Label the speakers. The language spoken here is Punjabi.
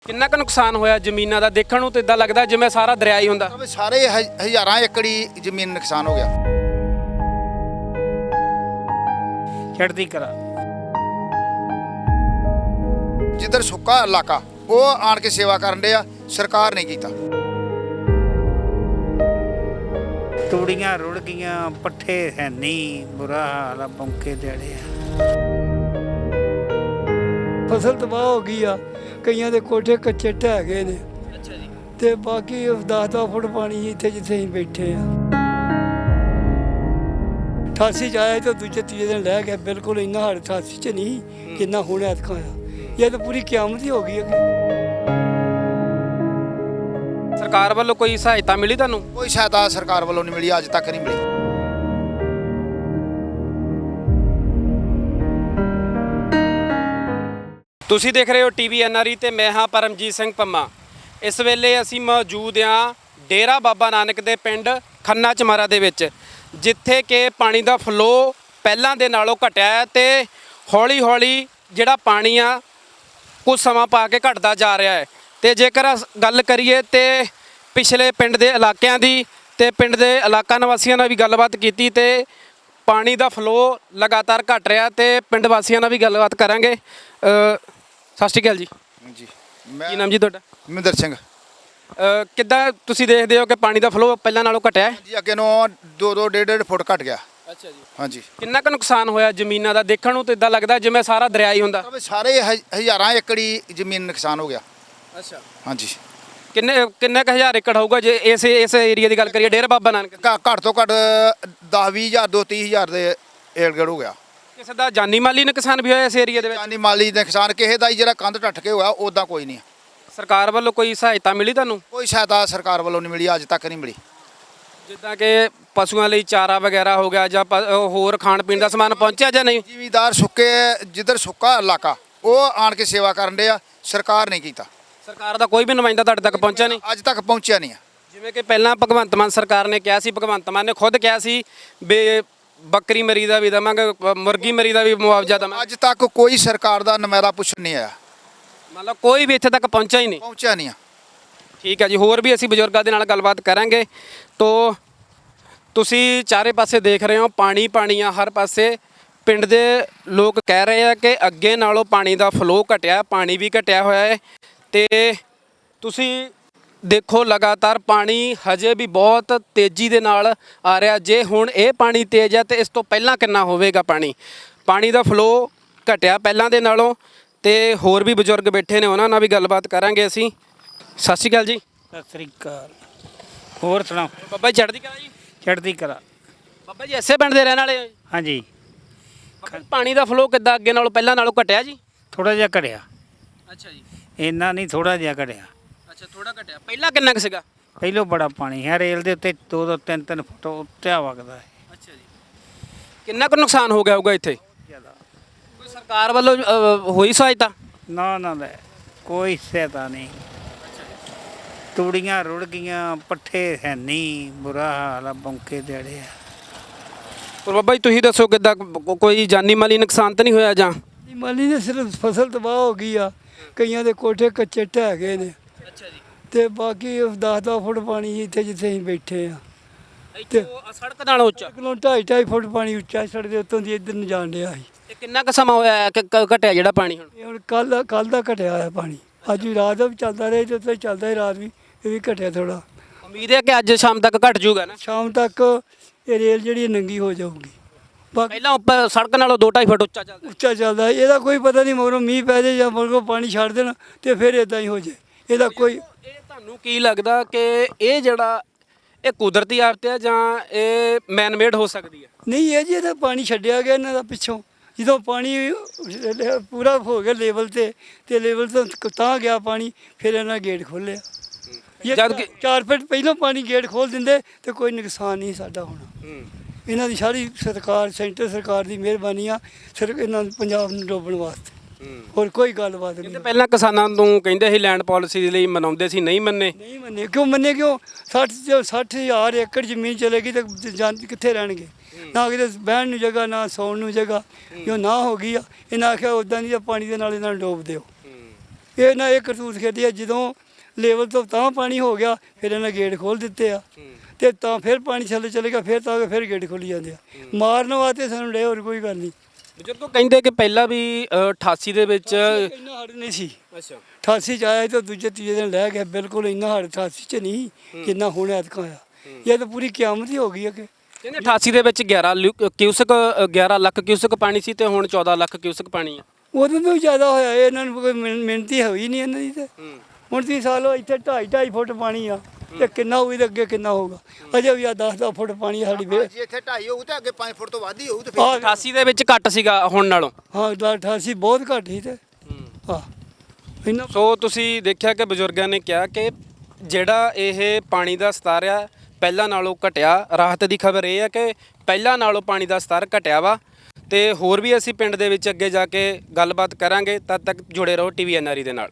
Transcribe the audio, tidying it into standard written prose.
Speaker 1: ਕਿੰਨਾ ਕੁ ਨੁਕਸਾਨ ਹੋਇਆ ਜ਼ਮੀਨਾਂ ਦਾ? ਦੇਖਣ ਨੂੰ ਤਾਂ ਇਦਾਂ ਲੱਗਦਾ ਜਿਵੇਂ ਸਾਰਾ ਦਰਿਆ ਹੀ ਹੁੰਦਾ।
Speaker 2: ਸਾਰੇ ਹਜ਼ਾਰਾਂ ਏਕੜੀ ਜ਼ਮੀਨ ਨੁਕਸਾਨ ਹੋ ਗਿਆ।
Speaker 3: ਚੜ੍ਹਦੀ ਕਲਾ
Speaker 2: ਜਿੱਧਰ ਸੁੱਕਾ ਇਲਾਕਾ ਉਹ ਆਣ ਕੇ ਸੇਵਾ ਕਰਨ ਦੇ ਆ, ਸਰਕਾਰ ਨੇ ਕੀਤਾ।
Speaker 3: ਤੂੜੀਆਂ ਰੁੜ ਗਈਆਂ, ਪੱਠੇ ਹੈ ਨਹੀਂ, ਬੁਰਾ ਹਾਲ ਆ, ਬੌਂਕੇ ਦਿਹਾੜੇ ਆ।
Speaker 4: ਫਸਲ ਤਬਾਹ ਹੋ ਗਈ ਆ, ਕਈਆਂ ਦੇ ਕੋਠੇ ਕੱਚੇ ਢਹਿ ਗਏ ਨੇ।
Speaker 1: ਅੱਛਾ ਜੀ।
Speaker 4: ਤੇ ਬਾਕੀ 10-10 ਫੁੱਟ ਪਾਣੀ ਇੱਥੇ ਜਿੱਥੇ ਅਸੀਂ ਬੈਠੇ ਆ। 88 ਚ ਆਇਆ ਤੇ ਦੂਜੇ ਤੀਜੇ ਦਿਨ ਲੈ ਗਿਆ। ਬਿਲਕੁਲ ਇੰਨਾ ਹੜ 88 ਚ ਨਹੀਂ ਜਿੰਨਾ ਹੁਣ ਐਤਕਾਂ ਆ। ਇਹ ਤਾਂ ਪੂਰੀ ਕਿਆਮਤ ਹੀ ਹੋ ਗਈ ਹੈ।
Speaker 1: ਸਰਕਾਰ ਵੱਲੋਂ ਕੋਈ ਸਹਾਇਤਾ ਮਿਲੀ ਤੁਹਾਨੂੰ?
Speaker 2: ਕੋਈ ਸਹਾਇਤਾ ਸਰਕਾਰ ਵੱਲੋਂ ਨਹੀਂ ਮਿਲੀ, ਅੱਜ ਤੱਕ ਨਹੀਂ ਮਿਲੀ।
Speaker 1: ਤੁਸੀਂ ਦੇਖ ਰਹੇ ਹੋ ਟੀਵੀ ਐਨਆਰਈ ਤੇ ਮੈਂ ਹਾਂ ਪਰਮਜੀਤ ਸਿੰਘ ਪੰਮਾ। ਇਸ ਵੇਲੇ ਅਸੀਂ ਮੌਜੂਦ ਹਾਂ ਡੇਰਾ ਬਾਬਾ ਨਾਨਕ ਦੇ ਪਿੰਡ ਖੰਨਾ ਚਮਾਰਾ ਦੇ ਵਿੱਚ, ਜਿੱਥੇ ਕਿ ਪਾਣੀ ਦਾ ਫਲੋ ਪਹਿਲਾਂ ਦੇ ਨਾਲੋਂ ਘਟਿਆ ਹੈ ਤੇ ਹੌਲੀ-ਹੌਲੀ ਜਿਹੜਾ ਪਾਣੀ ਆ ਕੁਝ ਸਮਾਂ ਪਾ ਕੇ ਘਟਦਾ ਜਾ ਰਿਹਾ ਹੈ। ਤੇ ਜੇਕਰ ਗੱਲ ਕਰੀਏ ਤੇ ਪਿਛਲੇ ਪਿੰਡ ਦੇ ਇਲਾਕਿਆਂ ਦੀ ਤੇ ਪਿੰਡ ਦੇ ਇਲਾਕਾ ਨਿਵਾਸੀਆਂ ਨਾਲ ਵੀ ਗੱਲਬਾਤ ਕੀਤੀ ਤੇ ਪਾਣੀ ਦਾ ਫਲੋ ਲਗਾਤਾਰ ਘਟ ਰਿਹਾ ਤੇ ਪਿੰਡ ਵਾਸੀਆਂ ਨਾਲ ਵੀ ਗੱਲਬਾਤ ਕਰਾਂਗੇ। ਸਤਿ ਸ਼੍ਰੀ ਅਕਾਲ ਜੀ।
Speaker 2: ਜੀ
Speaker 1: ਕੀ ਨਾਮ ਜੀ ਤੁਹਾਡਾ?
Speaker 2: ਮਹਿੰਦਰ ਸਿੰਘ
Speaker 1: ਕਿੱਦਾਂ ਤੁਸੀਂ ਦੇਖਦੇ ਹੋ ਕਿ ਪਾਣੀ ਦਾ ਫਲੋ ਪਹਿਲਾਂ ਨਾਲੋਂ ਘਟਿਆ ਹੈ?
Speaker 2: ਜੀ, ਅੱਗੇ ਨੂੰ 2-2 1.5 ਫੁੱਟ ਘਟ ਗਿਆ।
Speaker 1: ਅੱਛਾ ਜੀ।
Speaker 2: ਹਾਂਜੀ।
Speaker 1: ਕਿੰਨਾ ਕੁ ਨੁਕਸਾਨ ਹੋਇਆ ਜ਼ਮੀਨਾਂ ਦਾ? ਦੇਖਣ ਨੂੰ ਤਾਂ ਇਦਾਂ ਲੱਗਦਾ ਜਿਵੇਂ ਸਾਰਾ ਦਰਿਆ ਹੀ ਹੁੰਦਾ।
Speaker 2: ਸਾਰੇ ਹਜ਼ਾਰਾਂ ਏਕੜੀ ਜ਼ਮੀਨ ਨੁਕਸਾਨ ਹੋ ਗਿਆ।
Speaker 1: ਅੱਛਾ।
Speaker 2: ਹਾਂਜੀ।
Speaker 1: ਕਿੰਨੇ ਕੁ ਹਜ਼ਾਰ ਏਕੜ ਹੋਊਗਾ ਜੇ ਇਸ ਏਰੀਆ ਦੀ ਗੱਲ ਕਰੀਏ ਡੇਰਾ ਬਾਬਾ ਨਾਨਕ?
Speaker 2: ਘੱਟ ਤੋਂ ਘੱਟ 10-20 ਹਜ਼ਾਰ 2-30 ਹਜ਼ਾਰ ਦੇ ਏੜਗੜ ਹੋ ਗਿਆ।
Speaker 1: ਕਿਸੇ ਦਾ ਜਾਨੀ ਮਾਲੀ ਨੁਕਸਾਨ ਵੀ ਹੋਇਆ ਇਸ ਏਰੀਆ ਦੇ ਵਿੱਚ?
Speaker 2: ਜਾਨੀ ਮਾਲੀ ਨੁਕਸਾਨ ਕਿਸੇ ਦਾ ਹੀ, ਜਿਹੜਾ ਕੰਧ ਟੱਟ ਕੇ ਹੋਇਆ ਉੱਦਾਂ ਕੋਈ ਨਹੀਂ।
Speaker 1: ਸਰਕਾਰ ਵੱਲੋਂ ਕੋਈ ਸਹਾਇਤਾ ਮਿਲੀ ਤੁਹਾਨੂੰ?
Speaker 2: ਕੋਈ ਸਹਾਇਤਾ ਸਰਕਾਰ ਵੱਲੋਂ ਨਹੀਂ ਮਿਲੀ, ਅੱਜ ਤੱਕ ਨਹੀਂ ਮਿਲੀ।
Speaker 1: ਜਿੱਦਾਂ ਕਿ ਪਸ਼ੂਆਂ ਲਈ ਚਾਰਾ ਵਗੈਰਾ ਹੋ ਗਿਆ ਜਾਂ ਹੋਰ ਖਾਣ ਪੀਣ ਦਾ ਸਮਾਨ ਪਹੁੰਚਿਆ ਜਾਂ ਨਹੀਂ?
Speaker 2: ਜ਼ਿਮੀਦਾਰ ਜਿੱਧਰ ਸੁੱਕਾ ਇਲਾਕਾ ਉਹ ਆਣ ਕੇ ਸੇਵਾ ਕਰਨ ਦੇ ਆ, ਸਰਕਾਰ ਨੇ ਕੀਤਾ।
Speaker 1: ਸਰਕਾਰ ਦਾ ਕੋਈ ਵੀ ਨੁਮਾਇੰਦਾ ਤੁਹਾਡੇ ਤੱਕ ਪਹੁੰਚਿਆ ਨਹੀਂ?
Speaker 2: ਅੱਜ ਤੱਕ ਪਹੁੰਚਿਆ ਨਹੀਂ ਆ।
Speaker 1: ਜਿਵੇਂ ਕਿ ਪਹਿਲਾਂ ਭਗਵੰਤ ਮਾਨ ਸਰਕਾਰ ਨੇ ਕਿਹਾ ਸੀ, ਭਗਵੰਤ ਮਾਨ ਨੇ ਖੁਦ ਕਿਹਾ ਸੀ ਵੀ ਬੱਕਰੀ ਮਰੀ ਦਾ ਵੀ ਦੇਵਾਂਗੇ, ਮੁਰਗੀ ਮਰੀ ਦਾ ਵੀ ਮੁਆਵਜ਼ਾ ਦੇਵਾਂਗੇ।
Speaker 2: ਅੱਜ ਤੱਕ ਕੋਈ ਸਰਕਾਰ ਦਾ ਨੁਮਾਇੰਦਾ ਪੁੱਛਣ ਨਹੀਂ ਆਇਆ।
Speaker 1: ਮਤਲਬ ਕੋਈ ਵੀ ਇੱਥੇ ਤੱਕ ਪਹੁੰਚਿਆ ਹੀ ਨਹੀਂ?
Speaker 2: ਪਹੁੰਚਿਆ ਨਹੀਂ ਆ।
Speaker 1: ਠੀਕ ਹੈ ਜੀ। ਹੋਰ ਵੀ ਅਸੀਂ ਬਜ਼ੁਰਗਾਂ ਦੇ ਨਾਲ ਗੱਲਬਾਤ ਕਰਾਂਗੇ। ਤੋ ਤੁਸੀਂ ਚਾਰੇ ਪਾਸੇ ਦੇਖ ਰਹੇ ਹੋ ਪਾਣੀ ਪਾਣੀ ਆ ਹਰ ਪਾਸੇ। ਪਿੰਡ ਦੇ ਲੋਕ ਕਹਿ ਰਹੇ ਆ ਕਿ ਅੱਗੇ ਨਾਲੋਂ ਪਾਣੀ ਦਾ ਫਲੋ ਘਟਿਆ, ਪਾਣੀ ਵੀ ਘਟਿਆ ਹੋਇਆ ਹੈ ਤੇ ਤੁਸੀਂ ਦੇਖੋ ਲਗਾਤਾਰ ਪਾਣੀ ਹਜੇ ਵੀ ਬਹੁਤ ਤੇਜ਼ੀ ਦੇ ਨਾਲ ਆ ਰਿਹਾ। ਜੇ ਹੁਣ ਇਹ ਪਾਣੀ ਤੇਜ਼ ਹੈ ਤੇ ਇਸ ਤੋਂ ਪਹਿਲਾਂ ਕਿੰਨਾ ਹੋਵੇਗਾ ਪਾਣੀ ਦਾ ਫਲੋ ਘਟਿਆ ਪਹਿਲਾਂ ਦੇ ਨਾਲੋਂ। ਤੇ ਹੋਰ ਵੀ ਬਜ਼ੁਰਗ ਬੈਠੇ ਨੇ, ਉਹਨਾਂ ਨਾਲ ਵੀ ਗੱਲਬਾਤ ਕਰਾਂਗੇ ਅਸੀਂ। ਸਤਿ ਸ਼੍ਰੀ ਅਕਾਲ ਜੀ।
Speaker 3: ਸਤਿ ਸ੍ਰੀ ਅਕਾਲ। ਹੋਰ ਸੁਣਾਓ?
Speaker 1: ਬਾਬਾ ਜੀ ਚੜ੍ਹਦੀ ਕਲਾ ਜੀ।
Speaker 3: ਚੜ੍ਹਦੀ ਕਲਾ।
Speaker 1: ਬਾਬਾ ਜੀ ਇਸੇ ਪਿੰਡ ਦੇ ਰਹਿਣ ਵਾਲੇ ਹੋ?
Speaker 3: ਹਾਂਜੀ।
Speaker 1: ਬਾਬਾ ਜੀ, ਪਾਣੀ ਦਾ ਫਲੋ ਕਿੱਦਾਂ ਅੱਗੇ ਨਾਲੋਂ ਪਹਿਲਾਂ ਨਾਲੋਂ ਘਟਿਆ ਜੀ?
Speaker 3: ਥੋੜਾ ਜਿਹਾ ਘਟਿਆ।
Speaker 1: ਅੱਛਾ ਜੀ।
Speaker 3: ਇੰਨਾ ਨਹੀਂ, ਥੋੜਾ ਜਿਹਾ ਘਟਿਆ।
Speaker 1: ਅੱਛਾ, ਥੋੜਾ ਘਟਿਆ। ਪਹਿਲਾਂ ਕਿੰਨਾ ਕੁ ਸੀਗਾ?
Speaker 3: ਪਹਿਲੋਂ ਬੜਾ ਪਾਣੀ ਹੈ, ਰੇਲ ਦੇ ਉੱਤੇ 2-2 3-3 ਫੁੱਟ ਉੱਤੇ ਵਗਦਾ ਹੈ।
Speaker 1: ਅੱਛਾ ਜੀ। ਕਿੰਨਾ ਕੁ ਨੁਕਸਾਨ ਹੋ ਗਿਆ ਹੋਊਗਾ ਇੱਥੇ?
Speaker 3: ਜ਼ਿਆਦਾ।
Speaker 1: ਕੋਈ ਸਰਕਾਰ ਵੱਲੋਂ ਹੋਈ ਸਹਾਇਤਾ?
Speaker 3: ਨਾ ਨਾ ਲੈ, ਕੋਈ ਸਹਾਇਤਾ ਨਹੀਂ। ਤੂੜੀਆਂ ਰੁੜ ਗਈਆਂ, ਪੱਠੇ ਹੈ ਨਹੀਂ, ਬੁਰਾ ਹਾਲ ਆ, ਬੌਂਕੇ ਦਿਹਾੜੇ ਆ।
Speaker 1: ਪਰ ਬਾਬਾ ਜੀ ਤੁਸੀਂ ਦੱਸੋ ਕਿੱਦਾਂ ਕੋਈ ਜਾਨੀ ਮਾਲੀ ਨੁਕਸਾਨ ਤਾਂ ਨਹੀਂ ਹੋਇਆ ਜਾਂ?
Speaker 4: ਮਾਲੀ ਨੇ ਸਿਰਫ ਫਸਲ ਤਬਾਹ ਹੋ ਗਈ ਆ, ਕਈਆਂ ਦੇ ਕੋਠੇ ਕੱਚੇ ਢਹਿ ਗਏ ਨੇ।
Speaker 1: ਅੱਛਾ ਜੀ।
Speaker 4: ਤੇ ਬਾਕੀ 10-10 ਫੁੱਟ ਪਾਣੀ ਇੱਥੇ ਜਿੱਥੇ ਅਸੀਂ ਬੈਠੇ ਆ।
Speaker 1: ਇੱਥੇ ਸੜਕ ਨਾਲੋਂ ਉੱਚਾ?
Speaker 4: ਕਿਲੋ 2.5 ਫੁੱਟ ਪਾਣੀ ਉੱਚਾ ਸੜਕ ਦੇ ਉੱਤੋਂ ਦੀ ਇੱਧਰ ਨੂੰ ਜਾਣ ਡਿਆ ਸੀ।
Speaker 1: ਤੇ ਕਿੰਨਾ ਕੁ ਸਮਾਂ ਹੋਇਆ ਕਿ ਘਟਿਆ ਜਿਹੜਾ ਪਾਣੀ ਹੁਣ?
Speaker 4: ਇਹ ਹੁਣ ਕੱਲ ਦਾ ਘਟਿਆ ਹੋਇਆ ਪਾਣੀ। ਅੱਜ ਵੀ ਰਾਤ ਦਾ ਵੀ ਚੱਲਦਾ ਰਿਹਾ ਤੇ ਉੱਥੇ ਚੱਲਦਾ ਹੀ ਰਾਤ ਵੀ, ਇਹ ਵੀ ਘਟਿਆ ਥੋੜਾ।
Speaker 1: ਉਮੀਦ ਹੈ ਕਿ ਅੱਜ ਸ਼ਾਮ ਤੱਕ ਘਟ ਜਾਊਗਾ ਨਾ?
Speaker 4: ਸ਼ਾਮ ਤੱਕ ਇਹ ਰੇਲ ਜਿਹੜੀ ਨੰਗੀ ਹੋ ਜਾਊਗੀ। ਬਾਕੀ
Speaker 1: ਪਹਿਲਾਂ ਉੱਪਰ ਸੜਕ ਨਾਲੋਂ 2-2.5 ਫੁੱਟ ਉੱਚਾ ਚੱਲਦਾ?
Speaker 4: ਉੱਚਾ ਚੱਲਦਾ, ਇਹਦਾ ਕੋਈ ਪਤਾ ਨਹੀਂ ਮਗਰੋਂ ਮੀਂਹ ਪੈ ਜਾਏ ਜਾਂ ਮਗਰੋਂ ਪਾਣੀ ਛੱਡ ਦੇਣ ਤੇ ਫਿਰ ਇਦਾਂ ਹੀ ਹੋ ਜਾਏ। ਇਹਦਾ ਕੋਈ
Speaker 1: ਇਹ ਤੁਹਾਨੂੰ ਕੀ ਲੱਗਦਾ ਕਿ ਇਹ ਜਿਹੜਾ ਇਹ ਕੁਦਰਤੀ ਆਫਤ ਹੈ ਜਾਂ ਇਹ ਮੈਨ ਮੇਡ ਹੋ ਸਕਦੀ ਹੈ?
Speaker 4: ਨਹੀਂ, ਇਹ ਜੀ ਇਹਦਾ ਪਾਣੀ ਛੱਡਿਆ ਗਿਆ ਇਹਨਾਂ ਦਾ ਪਿੱਛੋਂ। ਜਦੋਂ ਪਾਣੀ ਪੂਰਾ ਹੋ ਗਿਆ ਲੈਵਲ ਤੇ ਲੈਵਲ ਤੋਂ ਤਾਂ ਗਿਆ ਪਾਣੀ, ਫਿਰ ਇਹਨਾਂ ਗੇਟ ਖੋਲ੍ਹਿਆ।
Speaker 1: ਜਦ ਕਿ
Speaker 4: 4 ਫੁੱਟ ਪਹਿਲਾਂ ਪਾਣੀ ਗੇਟ ਖੋਲ੍ਹ ਦਿੰਦੇ ਤੇ ਕੋਈ ਨੁਕਸਾਨ ਨਹੀਂ ਸਾਡਾ ਹੋਣਾ। ਇਹਨਾਂ ਦੀ ਸਾਰੀ ਸਰਕਾਰ, ਸੈਂਟਰ ਸਰਕਾਰ ਦੀ ਮਿਹਰਬਾਨੀ ਆ ਸਿਰਫ ਇਹਨਾਂ ਨੂੰ ਪੰਜਾਬ ਨੂੰ ਡੋਬਣ ਵਾਸਤੇ, ਹੋਰ ਕੋਈ ਗੱਲਬਾਤ ਨਹੀਂ।
Speaker 1: ਪਹਿਲਾਂ ਕਿਸਾਨਾਂ ਨੂੰ ਕਹਿੰਦੇ ਸੀ ਲੈਂਡ ਪਾਲਿਸੀ ਲਈ ਮਨਾਉਂਦੇ ਸੀ, ਨਹੀਂ ਮੰਨੇ?
Speaker 4: ਨਹੀਂ ਮੰਨੇ। ਕਿਉਂ ਮੰਨੇ? ਕਿਉਂ 60,000 ਏਕੜ ਜ਼ਮੀਨ ਚਲੇਗੀ ਤਾਂ ਕਿੱਥੇ ਰਹਿਣਗੇ? ਨਾ ਕਿਤੇ ਬਹਿਣ ਨੂੰ ਜਗ੍ਹਾ, ਨਾ ਸੌਣ ਨੂੰ ਜਗ੍ਹਾ। ਜੋ ਨਾ ਹੋ ਗਈ ਆ, ਇਹਨਾਂ ਆਖਿਆ ਉੱਦਾਂ ਦੀ ਪਾਣੀ ਦੇ ਨਾਲ ਇਹਨਾਂ ਨੂੰ ਡੋਬ ਦਿਓ। ਇਹਨਾਂ ਇਹ ਕਰਤੂਤ ਖੇਡੀ ਆ, ਜਦੋਂ ਲੈਵਲ ਤੋਂ ਤਾਂ ਪਾਣੀ ਹੋ ਗਿਆ ਫਿਰ ਇਹਨਾਂ ਗੇਟ ਖੋਲ ਦਿੱਤੇ ਆ ਤੇ ਤਾਂ ਫਿਰ ਪਾਣੀ ਥੱਲੇ ਚਲੇਗਾ, ਫਿਰ ਤਾਂ ਫਿਰ ਗੇਟ ਖੋਲੀ ਜਾਂਦੇ ਆ। ਮਾਰਨ ਵਾਸਤੇ ਸਾਨੂੰ ਡੇ, ਹੋਰ ਕੋਈ ਗੱਲ ਨਹੀਂ।
Speaker 1: ਬਜ਼ੁਰਗੋ ਕਹਿੰਦੇ ਕਿ ਪਹਿਲਾਂ ਵੀ 88 ਦੇ ਵਿੱਚ
Speaker 4: ਇੰਨਾ ਹੜ ਨਹੀਂ ਸੀ।
Speaker 1: ਅੱਛਾ
Speaker 4: 88 ਚ ਆਇਆ ਤਾਂ ਦੂਜੇ ਤੀਜੇ ਦਿਨ ਲੈ ਗਿਆ, ਬਿਲਕੁਲ ਇੰਨਾ ਹੜ 88 ਚ ਨਹੀਂ ਜਿੰਨਾ ਹੁਣ ਐਤਕਾਂ ਆਇਆ। ਇਹ ਤਾਂ ਪੂਰੀ ਕਿਆਮਤ ਹੀ ਹੋ ਗਈ ਹੈ ਕਿ
Speaker 1: ਕਹਿੰਦੇ 88 ਦੇ ਵਿੱਚ 11 ਲੱਖ ਕਿਊਸਕ ਪਾਣੀ ਸੀ ਤੇ ਹੁਣ 14 ਲੱਖ ਕਿਊਸਕ ਪਾਣੀ ਆ।
Speaker 4: ਉਦੋਂ ਤੋਂ ਵੀ ਜ਼ਿਆਦਾ ਹੋਇਆ। ਇਹਨਾਂ ਨੂੰ ਕੋਈ ਮਿਹਨਤੀ ਹੋਈ ਨਹੀਂ ਇਹਨਾਂ ਦੀ ਤੇ ਹੁਣ 30 ਸਾਲ ਹੋ ਇੱਥੇ 2.5 ਫੁੱਟ ਪਾਣੀ ਆ ਤੇ ਕਿੰਨਾ ਹੋਈ ਤੇ ਅੱਗੇ ਕਿੰਨਾ ਹੋਊਗਾ। ਅਜੇ ਵੀ ਆ 10 ਫੁੱਟ ਪਾਣੀ ਸਾਡੀ ਵੇ।
Speaker 2: ਜੇ ਇੱਥੇ 2.5 ਹੋਊ ਤੇ ਅੱਗੇ 5 ਫੁੱਟ ਤੋਂ ਵੱਧ ਹੀ ਹੋਊ ਤੇ
Speaker 4: ਆਹ
Speaker 1: 88 ਦੇ ਵਿੱਚ ਘੱਟ ਸੀਗਾ ਹੁਣ ਨਾਲੋਂ।
Speaker 4: ਹਾਂ 88 ਬਹੁਤ ਘੱਟ ਸੀ ਤੇ ਹਾਂ ਇਹਨਾਂ
Speaker 1: ਸੋ ਤੁਸੀਂ ਦੇਖਿਆ ਕਿ ਬਜ਼ੁਰਗਾਂ ਨੇ ਕਿਹਾ ਕਿ ਜਿਹੜਾ ਇਹ ਪਾਣੀ ਦਾ ਸਤਰ ਆ ਪਹਿਲਾਂ ਨਾਲੋਂ ਘਟਿਆ। ਰਾਹਤ ਦੀ ਖਬਰ ਇਹ ਹੈ ਕਿ ਪਹਿਲਾਂ ਨਾਲੋਂ ਪਾਣੀ ਦਾ ਸਤਰ ਘਟਿਆ ਵਾ ਤੇ ਹੋਰ ਵੀ ਅਸੀਂ ਪਿੰਡ ਦੇ ਵਿੱਚ ਅੱਗੇ ਜਾ ਕੇ ਗੱਲਬਾਤ ਕਰਾਂਗੇ। ਤਦ ਤੱਕ ਜੁੜੇ ਰਹੋ TVNRE ਦੇ ਨਾਲ।